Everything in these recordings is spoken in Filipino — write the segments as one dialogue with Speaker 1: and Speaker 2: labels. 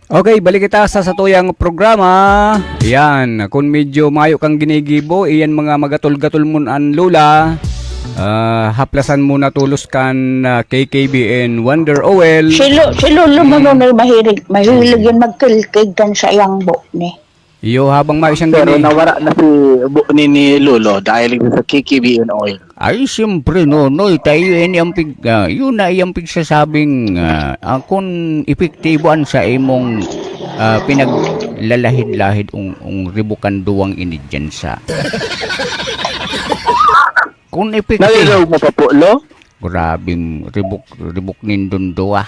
Speaker 1: Okay, balik kita sa satuyang programa. Yan, kung medyo mayo kang ginigibo, iyan mga magatol-gatol mo an lula. Haplasan mo na tulos kan KKB and Wonder Oil.
Speaker 2: Si Lolo Manunay mahilig yun magkilkig kan sa iyang buhok ni.
Speaker 1: Iyo habang mayo siyang
Speaker 3: Pero
Speaker 1: gini.
Speaker 3: nawara na si buo ni Lolo dahil sa KKB and Oil.
Speaker 4: Ay, siyempre, noy, tayo yun yun na iyang pigsasabing kung epektiboan sa imong pinaglalahid-lahid ung ribukan duwang inidyansa. Kung epektibo,
Speaker 3: Nalilawag mo pa po, Lo?
Speaker 4: grabing ribuk nindun duwa.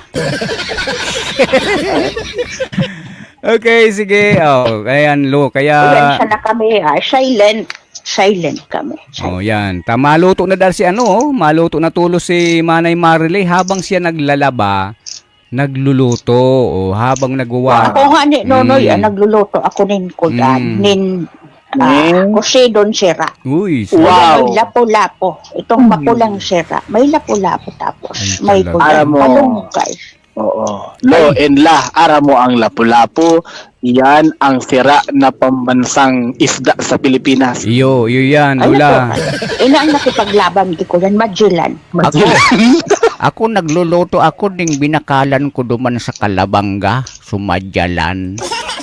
Speaker 1: Okay, sige. Oh, ayan, Lo. Kaya
Speaker 2: Ulan na kami, silent kami.
Speaker 1: oh, yan. Maluto na dahil si maluto na tulos si Manay Marilyn habang siya naglalaba, nagluluto o habang nagwawa.
Speaker 2: Ako nga ni Nonoy, nagluluto ako nin kudan, kusidon sira.
Speaker 1: Uy,
Speaker 3: Wow.
Speaker 2: May lapo-lapo. Itong makulang sira. May lapo-lapo tapos
Speaker 1: Ay,
Speaker 2: may
Speaker 1: talaga.
Speaker 2: kudan.
Speaker 3: Alam mo.
Speaker 2: Palungkay.
Speaker 3: Oo. Lo and La, ara mo ang lapu-lapu. Yan ang sira na pambansang isda sa Pilipinas.
Speaker 1: iyo yan,
Speaker 2: Ano
Speaker 1: Lola.
Speaker 2: to? Ina ang nakipaglaban di ko yan, Magellan.
Speaker 4: Ako nagluluto ako ding binakalan ko duman sa Kalabanga, sumadyalan.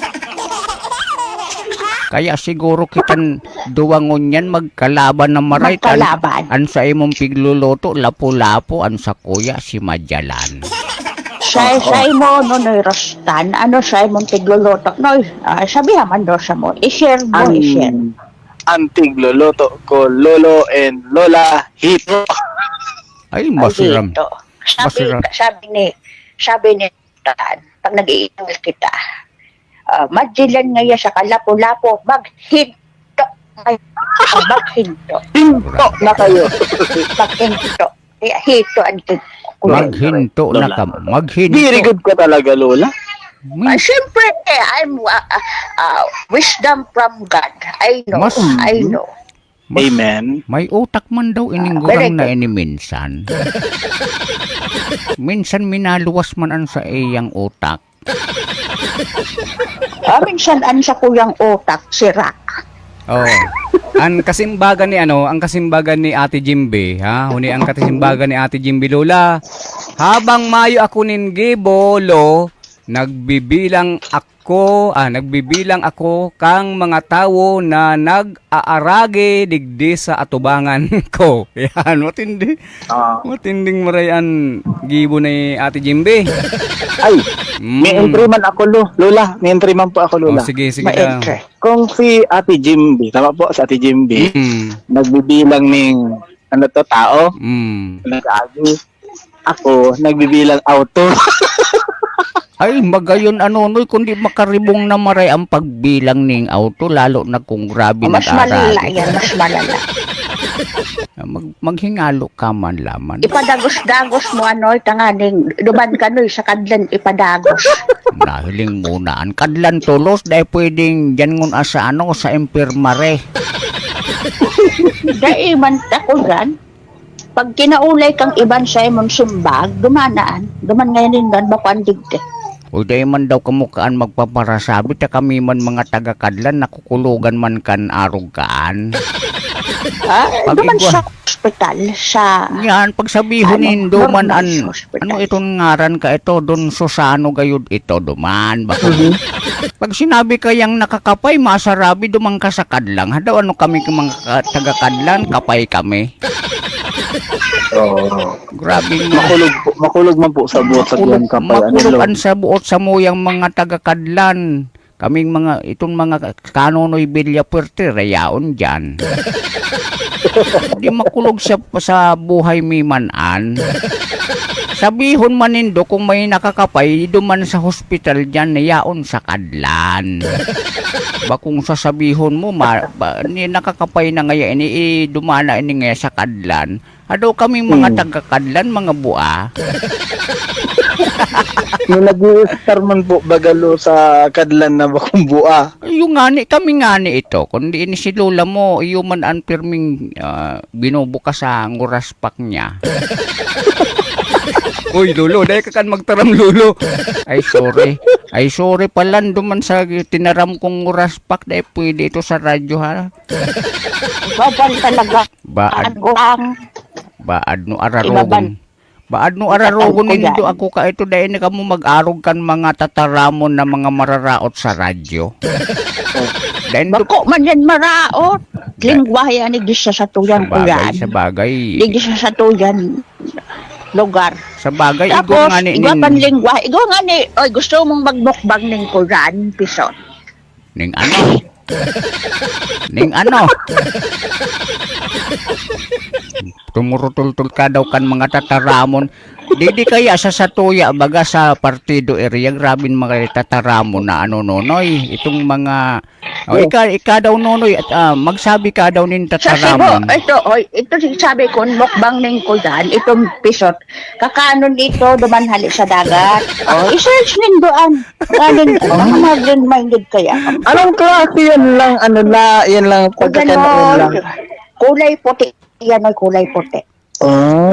Speaker 4: Kaya siguro kitan duwangon yan magkalaban na maray.
Speaker 2: Magkalaban.
Speaker 4: An sa imong pigluluto, lapu-lapu, an sa kuya, si Madyalan.
Speaker 2: Sa mo, Nonoy Rostan, ano sa imong tigluluto? Noy, sabihan man daw sa mo, i-share mo, i-share.
Speaker 3: Antig loloto ko, Lolo and Lola Hito.
Speaker 4: Ay, masiram.
Speaker 2: Dito.
Speaker 4: Masiram.
Speaker 2: Sabi ni Tan, pag nag-iingal kita, Magellan ngayon sa kalapo-lapo, maghinto. Maghinto.
Speaker 3: Hinto na kayo.
Speaker 2: Maghinto. Hito ang
Speaker 4: Maghinto na ka. Maghinto.
Speaker 3: Very good ka talaga, Lola.
Speaker 2: Siyempre, I'm wisdom from God. I know.
Speaker 4: Mas-
Speaker 2: I know.
Speaker 3: Amen.
Speaker 4: May utak man daw ining
Speaker 2: very
Speaker 4: gurang na
Speaker 2: good.
Speaker 4: ini minsan. Minsan minaluwas man an sa iyang utak.
Speaker 2: Minsan an sa kuyang utak, sira.
Speaker 1: Oh. Ang kasimbagan ni Ate Jimbe, ha? Huni ang kasimbagan ni Ate Jimbe, Lola. Habang mayo ako nin gibolo, nagbibilang ako kang mga tawo na nag-aarage digdi sa atubangan ko. Yan, matinding marayan gibo ni Ate Jimbe.
Speaker 3: Ay, may entry man ako, Lola. May entry man po ako,
Speaker 1: Oh,
Speaker 3: Lola.
Speaker 1: sige ka.
Speaker 2: Ma-enter.
Speaker 3: Kung si Ate Jimby, tama po, si Ate Jimby, nagbibilang ng tao, nag-agi. Ako, nagbibilang auto.
Speaker 4: Ay, magayon noy, kundi makaribong na maray ang pagbilang ning auto, lalo na kung grabe
Speaker 2: Mas malala
Speaker 4: nag-arage.
Speaker 2: yan, mas malala.
Speaker 4: Maghingalo ka man laman.
Speaker 2: Ipadagos-dagos mo tanganing duman ka sa kadlan ipadagos.
Speaker 4: Nahiling muna ang kadlan tulos dahil pwedeng dyan ngun sa sa impirmare.
Speaker 2: Dahil man ako gan, pag kinaulay kang iban sa imong sumbag, duman ngayon din doon bako ang digde.
Speaker 4: O dahil man daw kamukaan magpaparasabi, ta kami man mga taga-kadlan, nakukulugan man kan arog kaan.
Speaker 2: Duman sa ospital, sa...
Speaker 4: Yan, pagsabihon nindo man
Speaker 2: normal hospital.
Speaker 4: ano itong ngaran ka ito, don Susano gayud ito, duman. Bako. Pag sinabi kayang nakakapay, masarabi, dumang ka sa kadlang. Hadaw ano kami mga taga-kadlan, kapay kami. Grabe nga.
Speaker 3: Makulog man po sa buot sa buwan kapay.
Speaker 4: Makulugan sa buot sa muyang mga taga-kadlan. Kaming itong mga kanonoy Villa Puerte, rayaon dyan. Di makulog sa buhay mi manan. Sabihon man nindo kung may nakakapay, duman sa hospital dyan, nayaon sa kadlan. Ba kung sasabihon mo, ni nakakapay na ngaya, dumana ini ngaya sa kadlan. Ado kami mga taga-kadlan, mga bua.
Speaker 3: Nung nag-star man po bagalo sa kadlan na bakong bua.
Speaker 4: Yung kami ngani ito. Kundi ini si Lola mo, yung man ang pirming binubukas sa nguraspak niya.
Speaker 1: Uy, Lolo, dahil ka kan magtaram, Lolo.
Speaker 4: Ay, sorry. Ay, sorry pala, duman sa tinaram kong raspak dahil pwede ito sa radyo, ha?
Speaker 2: Babal talaga.
Speaker 4: Baad,
Speaker 2: Ako lang.
Speaker 4: baad no
Speaker 2: Ibaban.
Speaker 4: ararogon. Baad no ararogon
Speaker 2: Ibaban ko
Speaker 4: nindo
Speaker 2: yan.
Speaker 4: ako ka ito dahil na kamo mag-arog kan mga tataramon na mga mararaot sa radyo. Dahil do,
Speaker 2: Bako man yan maraot. Lingwahe ani di sa satuyan ko yan.
Speaker 4: sa bagay,
Speaker 2: Di sa satuyan lugar.
Speaker 4: sa bagay, igo
Speaker 2: Tapos,
Speaker 4: nga ni,
Speaker 2: igwa pan lingwahe. Igwa nga ni, oy, gusto mong magmukbang ng Quran, pisot.
Speaker 4: ning ano? Ning ano? Tumurutultul ka daw kan mga tataramon. Di kaya sa Satuya, baga sa partido area, grabing mga tataramon na ano nonoy. Itong mga, ika daw nonoy, at magsabi ka daw nin
Speaker 2: Sa Cebu,
Speaker 4: tataramon.
Speaker 2: ito sabi ko, mukbang ng Quran, itong pisot. Kakanon ito, dumanhali sa dagat. I-search nin doon. Galing, mag-minded kaya.
Speaker 3: Anong klase yan lang, ano la, yan lang, pagkakanoon lang.
Speaker 2: Kulay puti. Yan ay kulay puti.
Speaker 3: Oh.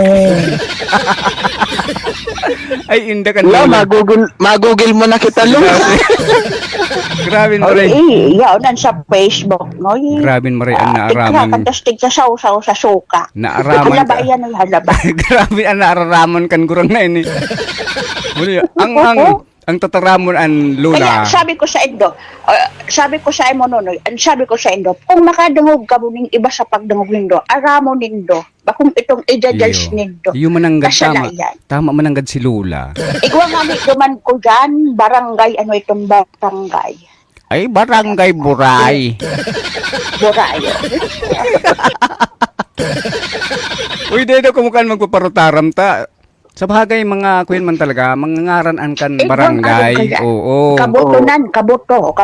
Speaker 1: Ay, inda ka
Speaker 3: La,
Speaker 1: Lola.
Speaker 3: magugil mo na kita, Lo.
Speaker 1: Grabe maray.
Speaker 2: Yan sa Facebook. No?
Speaker 1: Grabe maray ang naaraman.
Speaker 2: Kantastig sa sausaw sa suka.
Speaker 1: Naaraman
Speaker 2: Halaba
Speaker 1: ka.
Speaker 2: yan ay halaba.
Speaker 1: Grabe ang naaraman kan gurang na ini. Muli, ang tataramon ang
Speaker 2: Kaya
Speaker 1: Lola.
Speaker 2: sabi ko sa Indo, sabi ko sa imo nonoy, sabi ko sa Indo, kung makadungog ka mo ning iba sa pagdungog nindo, aramo nindo, bakong itong ijajudge nindo.
Speaker 1: Iyo mananggad tama.
Speaker 2: Kasalayan.
Speaker 1: Tama mananggad si Lola.
Speaker 2: Igwa nga ni duman ko dyan, barangay, ano itong barangay?
Speaker 4: Ay, barangay Buray.
Speaker 2: Burayo.
Speaker 1: Uy, dito kumukan magpaparutaram ta. Sa bagay, mga kuyan man talaga, mangangaranan kan barangay. Oo.
Speaker 2: Kabutunan, kabuto.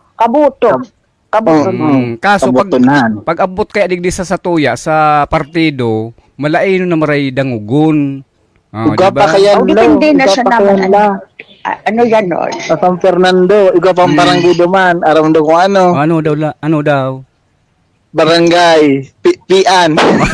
Speaker 1: Kaso
Speaker 3: Kabutunan.
Speaker 1: pag abot kaya digdi sa Satuya, sa partido, malaino na maray dangugon.
Speaker 3: Uga pa kaya,
Speaker 2: Oh,
Speaker 3: Lo.
Speaker 2: depende na
Speaker 3: Uga
Speaker 2: sa
Speaker 3: pa
Speaker 2: naman.
Speaker 3: kaya, La.
Speaker 2: Ano yan, no?
Speaker 3: Sa San Fernando, uga pang barangay duman. Aram do kung ano.
Speaker 1: Ano daw? Ano daw?
Speaker 3: Barangay. Pian.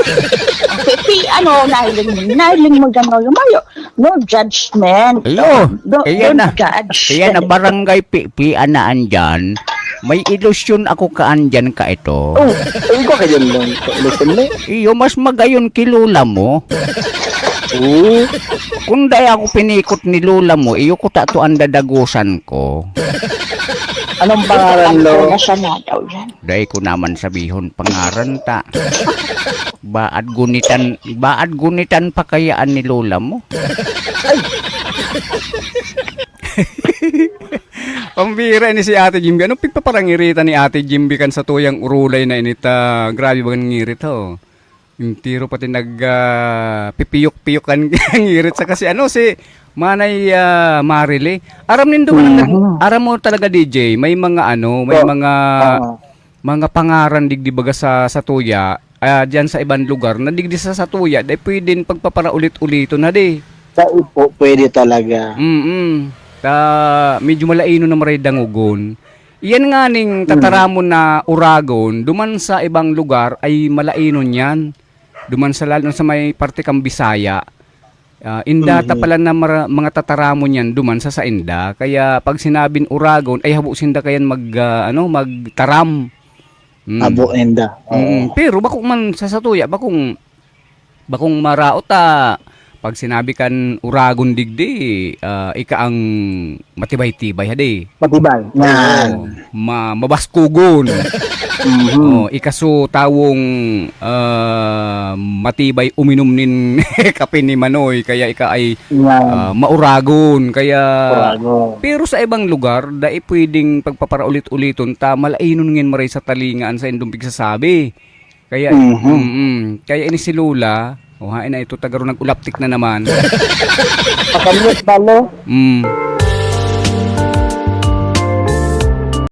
Speaker 2: Nahiling mo dyan, no? Lumayo. No judgment.
Speaker 4: Ayo,
Speaker 2: Don't judge.
Speaker 4: kaya na barangay pian na andyan. May ilusyon ako kaandyan ka ito.
Speaker 3: Oh, uga ka dyan, Lo. Listen, Lo.
Speaker 4: Iyo, mas magayon kay Lola mo.
Speaker 3: Oo.
Speaker 4: Kung dahil ako pinikot ni Lola mo, iyo ko tato ang dadagusan ko.
Speaker 3: Anong pangalan, Lo?
Speaker 2: Nasa na daw yan.
Speaker 4: Dahil ko naman sabihon pangaran ta. Baad gunitan pa kayaan ni Lola mo.
Speaker 1: Pambira ni si Ate Jimby. Anong pigpaparangirita ni Ate Jimby kan sa tuyang urulay na inita? Grabe ba ngirit ho? Yung tiro pati pipiyok-piyok kan ngirit sa kasi ano si Manay Marile. Aram nindo aram mo talaga DJ, may mga may mga pangaran digdi baga sa tuya. Diyan sa ibang lugar na digdi sa Satuya, dahil pwedeng pagpaparaulit-ulito na di.
Speaker 3: Sa Ipo, pwede talaga.
Speaker 1: Medyo malaino na maray dangugon. Iyan nga ning tataramon na uragon, duman sa ibang lugar ay malainon yan. Duman sa lalo sa may parte kang Bisaya. Indata pala na mga tataramon yan duman sa Inda. Kaya pag sinabing uragon ay habo sinda kayan magtaram.
Speaker 3: Abo enda.
Speaker 1: Pero bakong man sa Satuya, bakong maraot pag sinabi kan uragon digdi, ika ang matibay-tibay hadi.
Speaker 3: Matibay. Yan.
Speaker 1: Mabaskugon. Ikaso tawong matibay uminom nin kape ni Manoy, kaya ika ay mauragon. Kaya
Speaker 3: Uragon.
Speaker 1: pero sa ibang lugar, dai pwedeng pagpaparaulit-uliton ta malainon ngin maray sa talingaan sa indong pigsasabi. Kaya kaya ini si Lola, hain na ito tagaro nag-ulaptik na naman.
Speaker 3: Pakamit ba, Lo?